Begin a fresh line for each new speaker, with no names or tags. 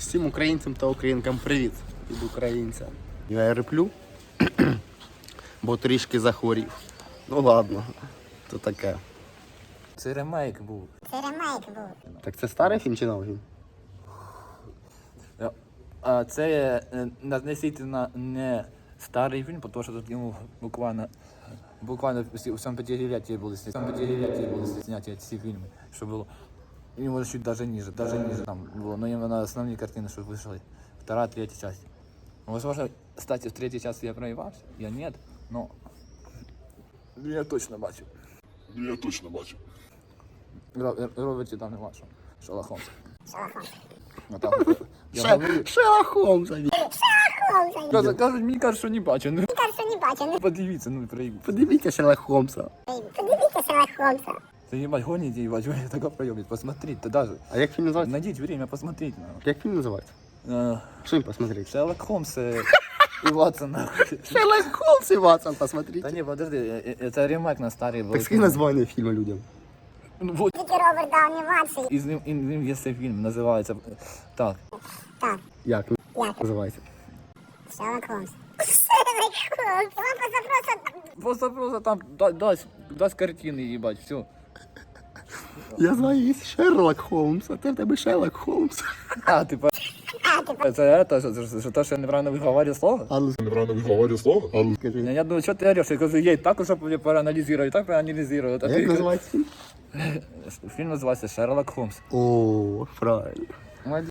Всім українцям та українкам привіт від українця. Я риплю, бо трішки захворів. Ну ладно, то таке.
Це ремейк був.
Так це старий фільм чи новий фільм?
А це относительно не старий фільм, тому що тут йому буквально у всьому п'ятилетті були зняті ці фільми, що було. І може чуть даже ниже там було. Но именно основні картини, що вийшли. Вторая, третья часть. Возможно, кстати, в третьей части я проебался, я нет, но я точно бачу. Роберті там не бачу. Шерлок Холмс.
Шерлок Холмса.
Кажуть, мені кажуть, що не бачу. Ну, подивіться, ну проїб.
Подивіться Шерлок Холмса.
Це їбать, гоните, їбать, ви таке проєбать, посмотрите, даже.
А як фільм називається?
Найдіть время, посмотрите.
Як фільм називається? Що їм посмотреть?
Шерлок Холмс і Ватсон.
Шерлок Холмс і Ватсон посмотрите.
Та ні, подожди, це ремейк на старий був.
Так скинь названня фільму людям.
Ну, вот.
Роберт Дауні младший.
І з ним є цей фільм, називається так.
Як? Називається?
Шерлок Холмс. Шерлок Холмс. Вам
Просто там дасть картини, їбать, все.
Я знаю, є Шерлок Холмс, а ти в тебе Шерлок Холмс.
А, типа. Це те, що я неправильно виговорюю слово?
А ну скажи.
Я думаю, що ти ореш? Я кажу, я так уже проаналізую, так проаналізую.
А як називається фільм?
Фільм називається «Шерлок Холмс».
О, правильно.